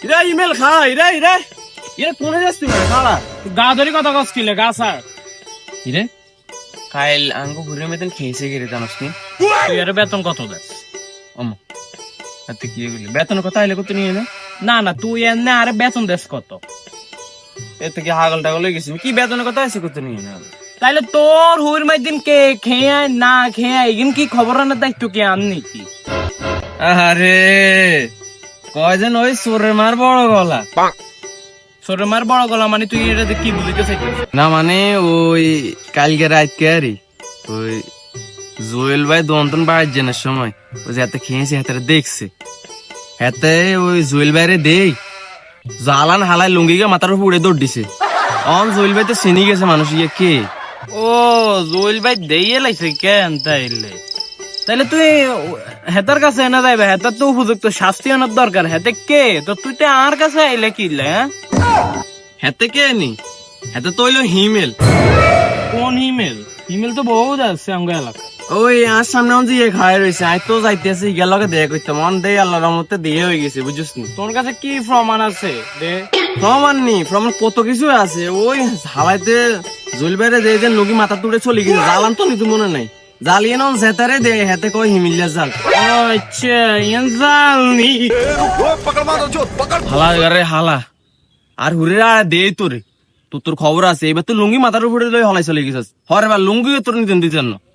Ira email খাড়া ইরা ইরা ইরা কোনে যাচ্ছি খাড়া গা ধরি কথা কষ্টিলে গা স্যার ইরে কাইল আঙ্গু ঘুরে মেতেন খেয়েছে গেরে জানোস নি তুই আর বেতন কত দেস? অম আতে কি বলি বেতন কথা আইলে কত নিয়ে না না না তুই এনে আরে বেতন দেস কত? এতে কি হাগল টাগল হয়ে গেছি কি বেতনের কথা আছে কত নিয়ে না তাইলে তোর হুইর মাই দিন কে খেয়ে না খেয়ে এগিন কি খবর আনার দায়িত্ব কে আননি কি? আরে কয় যেন ওই সোরের মার বড় গলা সরে মার বড় গলা মানে তুই এটা কি বুঝতে চাইছিস? না মানে ওই কালকে রাত কে আরি ওই জুয়েল ভাই দন্তন বাড়ির জেনার সময় ওই যে হাতে খেয়েছে হাতে দেখছে হাতে ওই জুয়েল ভাইরে দেই জালান হালাই লুঙ্গিকে মাথার উপর উড়ে দৌড় দিছে অন জুয়েল ভাই তো চিনি গেছে মানুষ ইয়ে কে ও জুয়েল ভাই দেইয়ে লাইছে কেন তাইলে? তাইলে তুই হেতার কাছে এনে যাইবে, হেতার তো উপযুক্ত শাস্তি আনার দরকার। হেতে কে তো তুই তো আর কাছে আইলে কি হ্যাঁ? হাতে কে নি হাতে তো হইলো হিমেল কোন ইমেল? ইমেল তো বহুত আছে আঙ্গ এলাকা। ওই আর সামনে যে ইয়ে খায় রয়েছে আই তো যাইতেছি গেলকে দেখা করতে মন দেই আল্লাহর রহমতে দিয়ে হয়ে গেছে বুঝছিস নি তোর কাছে কি প্রমাণ আছে দে? প্রমাণ নি প্রমাণ কত কিছু আছে ওই হালাইতে জুয়েল ভাইরে যে যে লুঙ্গি মাথা তুলে চলে গেছে জালান তো নিতে মনে নাই জালিয়ে নন জেতারে দে হাতে কয় হিমিল্লা জাল আচ্ছা ইয়ান জানি হালা রে হালা আর হুরে আর দে তোরে তোর খবর আছে এবার তো লুঙ্গি মাথার উপরে লই হলাই চলে গেছিস হরে বা লুঙ্গি তোর নিতেন দিতেন না